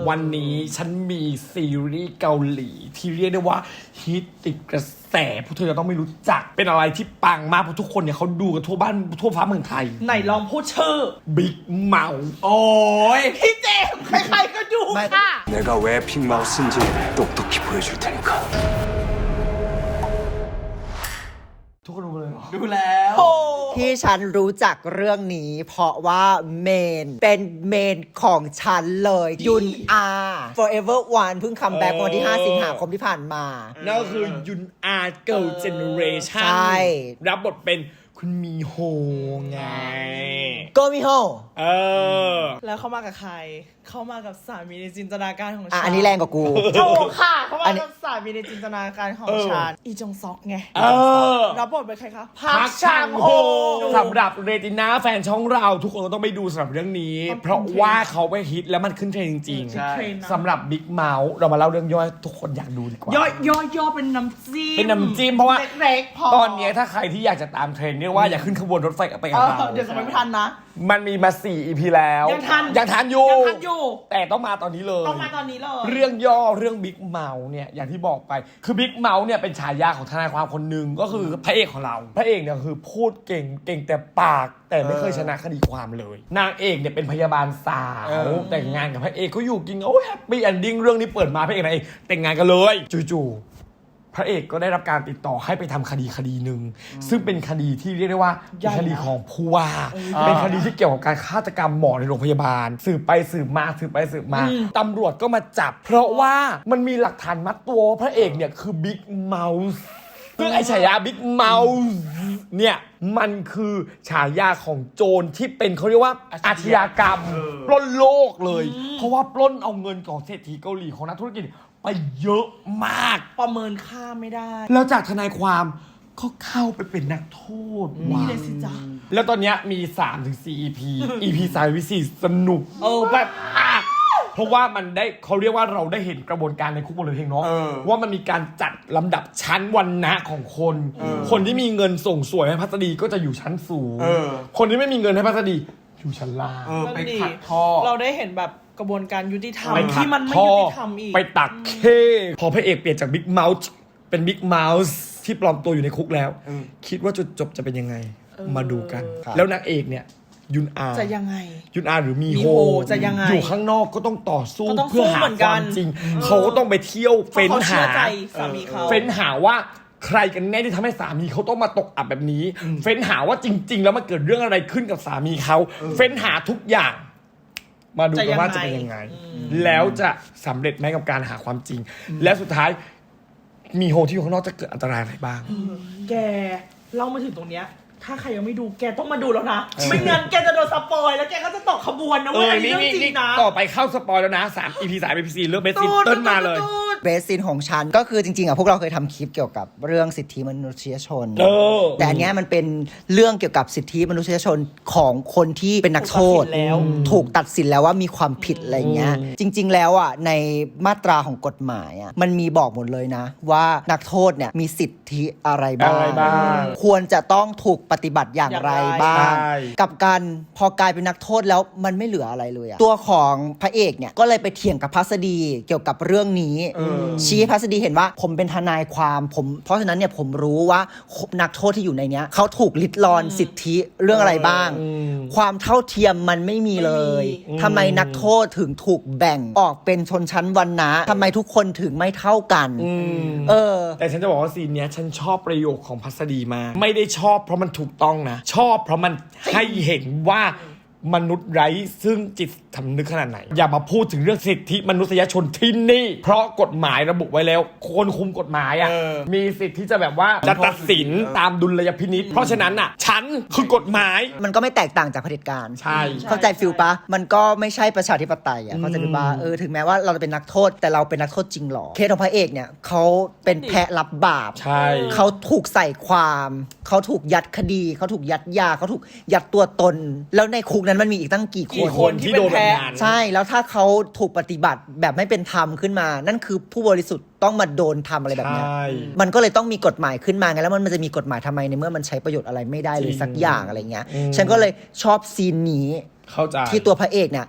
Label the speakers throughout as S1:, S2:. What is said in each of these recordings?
S1: วันนี้ฉันมีซีรีส์เกาหลีที่เรียกได้ว่าฮิตติดกระแสพวกเธอจะต้องไม่รู้จักเป็นอะไรที่ปังมากเพราะทุกคนเนี่ยเขาดูกันทั่วบ้านทั่วฟ้าเมืองไทย
S2: ไหนลองพูดชื่อ
S1: บิ๊กเมาส์
S2: โอ้ยพี่เจมส์ใครๆก็ดูค่ะ
S3: 내가 왜 빅마우스 인지 똑똑히 보여줄 테니까
S1: ทุกคนรู้เลยเหรอ
S2: ดูแล้ว
S4: ที่ฉันรู้จักเรื่องนี้เพราะว่าเมนเป็นเมนของฉันเลยยุนอา Forever One เพิ่งคัมแบ็กวันที่ 5 สิงหาคมที่ผ่านมา
S1: นั่นก็คือยุนอาเกิร์ลเจเนเรชั่นรับบทเป็นคุณมีโฮไง
S4: ก็มีโฮ
S2: แล้วเขามากับใครเขามากับสามีในจินตนาการของฉัน
S4: อันนี้แรงกว่ากู
S2: ถูกค่ะเขามากับสามีในจินตนาการของฉันอีจงซอกไงรับบทเป็นใครคะ
S1: พักช่างโฮสำหรับเรติน่าแฟนช่องเราทุกคนก็ต้องไปดูสำหรับเรื่องนี้เพราะว่าเขาไปฮิตแล้วมันขึ้นเทรนด์จริงๆสำหรับบิ๊กเมาส์เรามาเล่าเรื่องย่อยทุกคนอยากดูดีกว่า
S2: ย่อเป็นน้ำจิ้ม
S1: เพราะว่า
S2: เล็กๆพอ
S1: ตอนนี้ถ้าใครที่อยากจะตามเทรนด์เรียกว่าอยากขึ้นขบวนรถไฟไปกับเรา
S2: เดี๋ยวจะไม่ทันนะ
S1: มันมีมา4 EP แล้วยังทันอยู่แต่ต้องมาตอนนี้เลยเรื่องย่อเรื่องบิ๊กเมาส์เนี่ยอย่างที่บอกไปคือบิ๊กเมาส์เนี่ยเป็นฉายาของทนายความคนหนึ่งก็คือพระเอกของเราพระเอกเนี่ยคือพูดเก่งแต่ปากแต่ไม่เคยชนะคดีความเลยนางเอกเนี่ยเป็นพยาบาลสาวแต่งงานกับพระเอกเขาอยู่กินโอ้ยแฮปปี้เอนดิ้งเรื่องนี้เปิดมาพระเอกนางเอกแต่งงานกันเลยจู่พระเอกก็ได้รับการติดต่อให้ไปทำคดีหนึ่งซึ่งเป็นคดีที่เรียกได้ว่าเป็นคดีของผู้ว่าเป็นคดีที่เกี่ยวกับการฆาตกรรมหมอในโรงพยาบาลสืบไปสืบมาตำรวจก็มาจับเพราะว่ามันมีหลักฐานมัดตัวพระเอกเนี่ยคือบิ๊กเมาส์ซึ่งไอ้ฉายาบิ๊กเมาส์เนี่ยมันคือฉายาของโจรที่เป็นเขาเรียกว่าอาชญากรรมปล้นโลกเลยเพราะว่าปล้นเอาเงินของเศรษฐีเกาหลีของนักธุรกิจไปเยอะมาก
S2: ประเมินค่าไม่ได้
S1: แล้วจากทนายความก็เข้าไปเป็นนักโทษ
S2: นี่เลยสิจ๊ะ
S1: แล้วตอนนี้มี 3-4 EP EP 3-4 สนุกแบบเพราะว่ามันได้เขาเรียกว่าเราได้เห็นกระบวนการในคุกบนเรือเพลงเนาะว่ามันมีการจัดลำดับชั้นวรรณะของคนที่มีเงินส่งสวยให้พัสดีก็จะอยู่ชั้นสูงคนที่ไม่มีเงินให้พัสดีอยู่ชั้นล่าง
S2: ไปขัดท่อเราได้เห็นแบบกระบวนการยุติธรรมที่มันไม่ยุติธรรมอีก
S1: ไปตักเคพอพระเอกเปลี่ยนจากบิ๊กเมาส์เป็นบิ๊กเมาส์ที่ปลอมตัวอยู่ในคุกแล้วคิดว่าจุดจบจะเป็นยังไงมาดูกันแล้วนางเอกเนี่ยยุนอา
S2: จะยังไง
S1: ยุนอาหรือมีโฮ
S2: จะยังไง
S1: อยู่ข้างนอกก็ต้องต่อสู้เพื่อหาความจริงเขาก็ต้องไปเที่ยวเฟ้นหาว่าใครกันแน่ที่ทำให้สามีเขาต้องมาตกอับแบบนี้เฟ้นหาว่าจริงๆแล้วมันเกิดเรื่องอะไรขึ้นกับสามีเขาเฟ้นหาทุกอย่างมาดูกันว่าจะเป็นยังไงแล้วจะสำเร็จไหมกับการหาความจริงและสุดท้ายมีโฮที่อยู่ข้างนอกจะเกิดอันตรายอะไรบ้าง
S2: แกเล่ามาถึงตรงเนี้ยถ้าใครยังไม่ดูแกต้องมาดูแล้วนะไม่งั้นแกจะโดนสปอยแล้วแกก็จะตกขบวนนะเว้ยเรื่องจริงนะ
S1: ต่อไปเข้าสปอยแล้วนะ3 EP 3 EP 4เรื่องเบสซินเติ้ลมาเลย
S4: เบสซินของฉันก็คือจริงๆพวกเราเคยทำคลิปเกี่ยวกับเรื่องสิทธิมนุษยชนแต่อันนี้มันเป็นเรื่องเกี่ยวกับสิทธิมนุษยชนของคนที่เป็นนักโทษถูกตัดสินแล้วว่ามีความผิดอะไรเงี้ยจริงๆแล้วอ่ะในมาตราของกฎหมายอ่ะมันมีบอกหมดเลยนะว่านักโทษเนี่ยมีสิทธิอะไรบ้างควรจะต้องถูกปฏิบัติอย่างไรบ้างกับการพอกลายเป็นนักโทษแล้วมันไม่เหลืออะไรเลยอะตัวของพระเอกเนี่ยก็เลยไปเถียงกับพัสดีเกี่ยวกับเรื่องนี้ชี้ให้พัสดีเห็นว่าผมเป็นทนายความเพราะฉะนั้นเนี่ยผมรู้ว่านักโทษที่อยู่ในเนี้ยเขาถูกลิดรอนสิทธิเรื่องอะไรบ้างความเท่าเทียมมันไม่มีเลยทำไมนักโทษถึงถูกแบ่งออกเป็นชนชั้นวรรณะทำไมทุกคนถึงไม่เท่ากัน
S1: แต่ฉันจะบอกว่าซีนเนี้ยฉันชอบประโยคของพัสดีมาไม่ได้ชอบเพราะมันถูกต้องนะชอบเพราะมันให้เห็นว่ามนุษย์ไร้ซึ่งจิตสำนึกขนาดไหนอย่ามาพูดถึงเรื่องสิทธิมนุษยชนที่นี่เพราะกฎหมายระบุไว้แล้วคนคุมกฎหมายมีสิทธิ์ที่จะแบบว่าจะตัดสินตามดุลยพินิจเพราะฉะนั้นฉันคือกฎหมาย
S4: มันก็ไม่แตกต่างจากเผด็จการ
S1: ใช่
S4: เข้าใจฟิลปะมันก็ไม่ใช่ประชาธิปไตยเข้าใจปะถึงแม้ว่าเราจะเป็นนักโทษแต่เราเป็นนักโทษจริงหรอเคสของพระเอกเนี่ยเขาเป็นแพะรับบาปเขาถูกใส่ความเขาถูกยัดคดีเขาถูกยัดยาเขาถูกยัดตัวตนแล้วในคุกนั้นมันมีอีกตั้งกี่
S1: คนที่โดนแบบนั้น
S4: ใช่แล้วถ้าเขาถูกปฏิบัติแบบไม่เป็นธรรมขึ้นมานั่นคือผู้บริสุทธิ์ต้องมาโดนทำอะไรแบบนี้มันก็เลยต้องมีกฎหมายขึ้นมาไงแล้วมันจะมีกฎหมายทำไมในเมื่อมันใช้ประโยชน์อะไรไม่ได้เลยสักอย่างอะไรเงี้ยฉันก็เลยชอบซีนนี้ที่ตัวพระเอกเนี่ย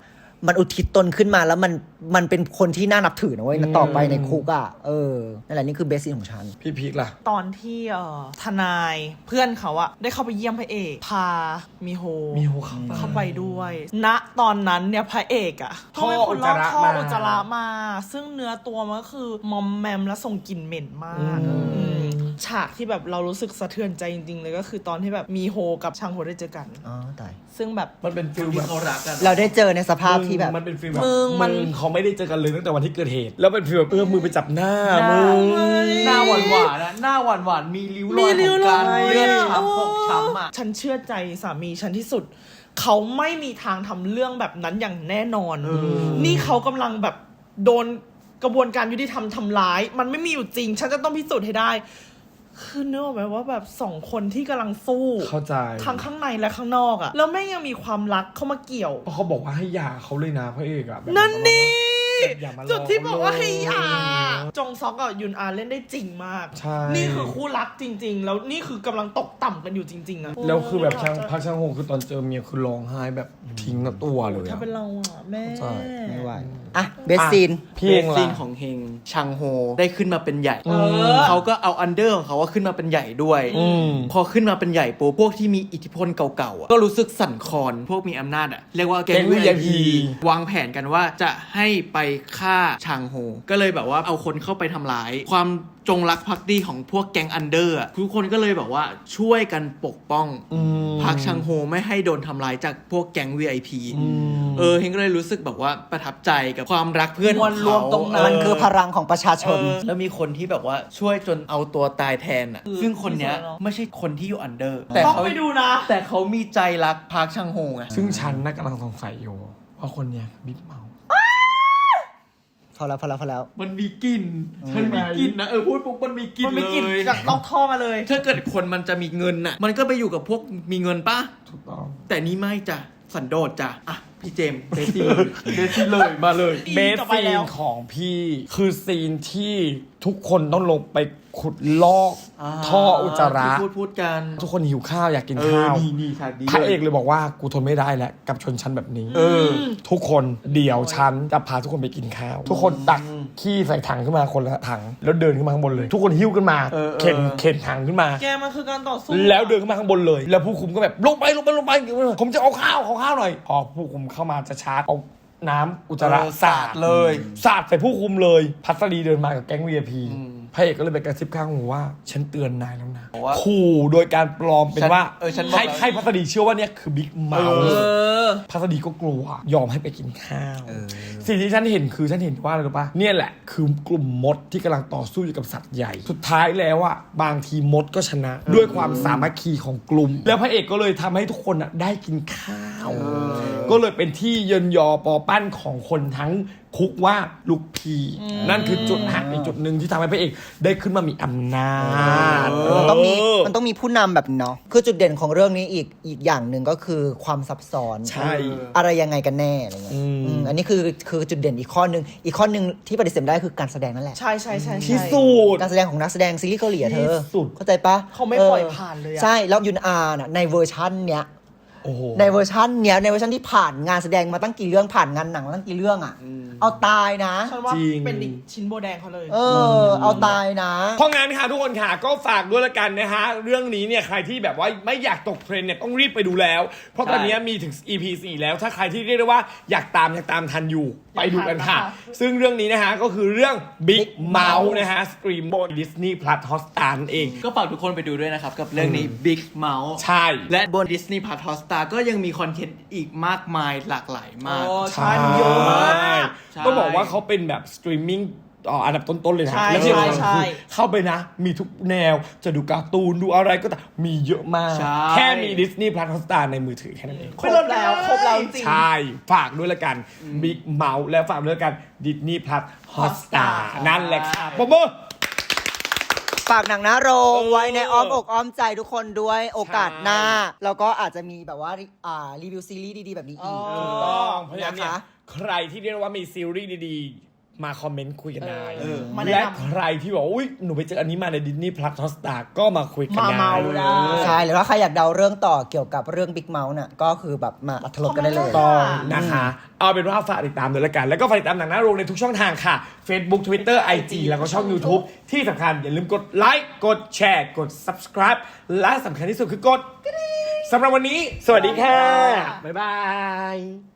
S4: มันอุทิศตนขึ้นมาแล้วมันเป็นคนที่น่านับถือนะเว้ยต่อไปในคุกอ่ะนั่นแหละนี่คือเบสซีนของฉัน
S1: พี่พีคล่ะ
S2: ตอนที่ทนายเพื่อนเขาอะได้เข้าไปเยี่ยมพระเอกพามิโฮเข้าไปด้วย ณตอนนั้นเนี่ยพระเอกอะก็เป็นคนลอกท่ออุจจาระมาซึ่งเนื้อตัวมันก็คือมอมแมมและส่งกลิ่นเหม็นมากฉากที่แบบเรารู้สึกสะเทือนใจจริงๆเลยก็คือตอนที่แบบมีโฮกับชางโฮได้เจอกัน
S4: ตาย
S2: ซึ่งแบบ
S1: มันเป็นฟิลแบบ
S4: เราได้เจอในสภาพที่แบบ
S1: มันเป็นฟิลแบบมึงเขาไม่ได้เจอกันเลยตั้งแต่วันที่เกิดเหตุแล้วเป็นฟิลแบบมือไปจับหน้ามึง
S5: หน้าหวานๆนะหน้าหวานๆมีริ้วรอยของการเลือดช้ำพกช้ำอ่ะ
S2: ฉันเชื่อใจสามีฉันที่สุดเขาไม่มีทางทำเรื่องแบบนั้นอย่างแน่นอนนี่เขากำลังแบบโดนกระบวนการยุติธรรมทำร้ายมันไม่มีอยู่จริงฉันจะต้องพิสูจน์ให้ได้คือนึกออกไหมว่าแบบ2คนที่กำลังสู้
S1: เข้าใจ
S2: ทั้งข้างในและข้างนอกอะแล้วแม่งยังมีความรักเข้ามาเกี่ยว
S1: เพราะเขาบอกว่าให้หย่าเขาเลยนะพระเอกอะ
S2: นั่นนี่จุดที่บอกว่าให้หย่าจงซอกกับยุนอาเล่นได้จริงมากนี่คือคู่รักจริงๆแล้วนี่คือกำลังตกต่ำกันอยู่จริงๆอะ
S1: แล้วคือแบบพักช่างโฮคือตอนเจอเมียคือร้องไห้แบบทิ้งตัวเลย
S2: ถ้าเป็นเราอะแม่
S4: ไม่ไหวเบสซีน
S5: ของเฮงชังโฮได้ขึ้นมาเป็นใหญ่เขาก็เอาอันเดอร์ของเขาว่าขึ้นมาเป็นใหญ่ด้วยพอขึ้นมาเป็นใหญ่ปุ๊บพวกที่มีอิทธิพลเก่าๆก็รู้สึกสั่นคลอนพวกมีอำนาจเรียกว่าแก๊ง VIP วางแผนกันว่าจะให้ไปฆ่าชังโฮก็เลยแบบว่าเอาคนเข้าไปทำร้ายความจงรักภักดีของพวกแก๊งอันเดอร์ทุกคนก็เลยแบบว่าช่วยกันปกป้องพักชังโฮไม่ให้โดนทำร้ายจากพวกแก๊ง VIP เฮงก็เลยรู้สึกแบบว่าประทับใจกับความรักเพื่อนของเขา
S4: มันคือพลังของประชาชน
S5: แล้วมีคนที่แบบว่าช่วยจนเอาตัวตายแทนซึ่งคนเนี้ยไม่ใช่คนที่อยู่อันเดอร์
S2: แต่เขาไปดูนะ
S5: แต่เขามีใจรักพักชังโฮไง
S1: ซึ่งฉันกำลังสงสัยอยู่ว่าคนเนี้ยบิ๊กเมา
S4: พอแล้ว
S5: มันมีกลิ่นมันมีกลิ่นนะพูดปุ๊บมันมีกลิ่น
S2: เลยจากลอกท่อมาเลย
S5: ถ้าเกิดคนมันจะมีเงินน่ะมันก็ไปอยู่กับพวกมีเงินป่ะ
S1: ถูกต้อง
S5: แต่นี่ไม่จ้ะสันโดษจ้ะพี่เจมเบสซีเลยมาเลย
S1: เบสซีนของพี่คือซีนที่ทุกคนต้องลงไปขุดลอกท่ออุจจาระ
S5: พูดกัน
S1: ทุกคนหิวข้าวอยากกินข้าวพระเอกเลยบอกว่ากูทนไม่ได้แล้วกับชนชั้นแบบนี้ทุกคนเดี๋ยวฉันจะพาทุกคนไปกินข้าวทุกคนตักขี้ใส่ถังขึ้นมาคนละถังแล้วเดินขึ้นมาข้างบนเลยทุกคนหิ้วขึ้นมาเข็นถังขึ้นมา
S2: แกมันคือการต่อสู้
S1: แล้วเดินขึ้นมาข้างบนเลยแล้วผู้คุมก็แบบลงไปผมจะเอาข้าวหน่อยพอผู้คุมเข้ามาจะชาร์จเอาน้ำอุจจาระสาดเลยสาดใส่ผู้คุมเลยพัสดีเดินมากับแก๊ง VIP พระเอกก็เลยไปกระซิบข้างหูว่าฉันเตือนนายแล้วนะขู่โดยการปลอมเป็นว่าให้พัสดีเชื่อว่าเนี่ยคือบิ๊กเมาพัสดีก็กลัวยอมให้ไปกินข้าวสิ่งที่ฉันเห็นคือฉันเห็นว่าอะไรรู้ป่ะเนี่ยแหละคือกลุ่มมดที่กำลังต่อสู้อยู่กับสัตว์ใหญ่สุดท้ายแล้วอ่ะบางทีมดก็ชนะด้วยความสามัคคีของกลุ่มแล้วพระเอกก็เลยทำให้ทุกคนได้กินข้าวก็เลยเป็นที่เยินยอปอปั้นของคนทั้งคุกว่าลูกพีนั่นคือจุดหักในจุดหนึ่งที่ทำให้พระเอกได้ขึ้นมามีอำนาจ
S4: มันต้องมีผู้นำแบบเนาะคือจุดเด่นของเรื่องนี้อีกอย่างหนึ่งก็คือความซับซ้อน
S1: ใช่
S4: อะไรยังไงกันแน่อะไรเงี้ยอันนี้คือจุดเด่นอีกข้อนึงที่ปฏิเสธได้คือการแสดงนั่นแหละ
S2: ใช่
S1: ที่สุด
S4: การแสดงของนักแสดงซีรีส์เกาหลีเธอเข้าใจปะ
S2: เขาไม่ปล่อยผ่านเลย
S4: ใช่แล้วยุนอาน่ะในเวอร์ชันเนี้ยในเวอร์ชันที่ผ่านงานแสดงมาตั้งกี่เรื่องผ่านงานหนังมาตั้งกี่เรื่องเอาตายนะ
S2: ฉันว่าเป็นชิ้นโบแดงเขาเลย
S4: เอาตายนะ
S1: เพราะงั้นค่ะทุกคนค่ะก็ฝากด้วยละกันนะฮะเรื่องนี้เนี่ยใครที่แบบว่าไม่อยากตกเทรนเนี่ยต้องรีบไปดูแล้วเพราะตอนนี้มีถึง EP 4แล้วถ้าใครที่เรียกได้ว่าอยากตามทันอยู่ไปดูกันค่ะซึ่งเรื่องนี้นะฮะก็คือเรื่อง Big Mouth นะฮะสตรีมบน Disney Plus Hotstar เอง
S5: ก็ฝากทุกคนไปดูด้วยนะครับกับเรื่องนี้ Big Mouth
S1: ใช่
S5: และบน Disney Plus Hotstar ก็ยังมีคอนเทนต์อีกมากมายหลากหลายมาก
S2: ใช่เยอะมาก
S1: ต้องบอกว่าเขาเป็นแบบสตรีมมิ่งอันดับต้นๆเลยนะและที่สำคัญคือเข้าไปนะมีทุกแนวจะดูการ์ตูนดูอะไรก็แต่มีเยอะมากแค่มี Disney Plus Hotstar ในมือถือแค่นั้นเอง
S2: ครบแล้วจริง
S1: ใช่ฝากด้วยละกัน Big Mouth และฝากด้วยละกัน Disney Plus Hotstar นั่นแหละค่ะปม
S4: ฝากหนังนะโรงไว้ในอ้อมอกอ้อมใจทุกคนด้วยโอกาสหน้าแล้วก็อาจจะมีแบบว่ารีวิวซีรีส์ดีๆแบบนี้อีก
S1: ถูกต้องเพราะฉะนั้นใครที่เรียกว่ามีซีรีส์ดีๆมาคอมเมนต์คุยกันได้
S2: มาแนะ
S1: และ
S2: นำ
S1: ใครที่บอกว่าอุ้ยหนูไปเจออันนี้มาในดิสนีย์พลัสฮอตสตาร์ก็มาคุยกัน
S2: มา
S1: ได้
S2: เมาได้
S4: ใช่หรือว่าใครอยากเดาเรื่องต่อเกี่ยวกับเรื่อง Big Mouth น่ะก็คือแบบมาอัธรสกันได้เลย
S1: ต้องนะคะ เอาเป็นว่าฝากติดตามด้วยละกัน แล้วก็ฝากติดตามหนังหน้าโรงในทุกช่องทางค่ะ Facebook Twitter IG แล้วก็ช่อง YouTube ที่สำคัญอย่าลืมกดไลค์กดแชร์กด Subscribe และสำคัญที่สุดคือกดสำหรับวันนี้ สวัสดีค่ะ บ๊ายบาย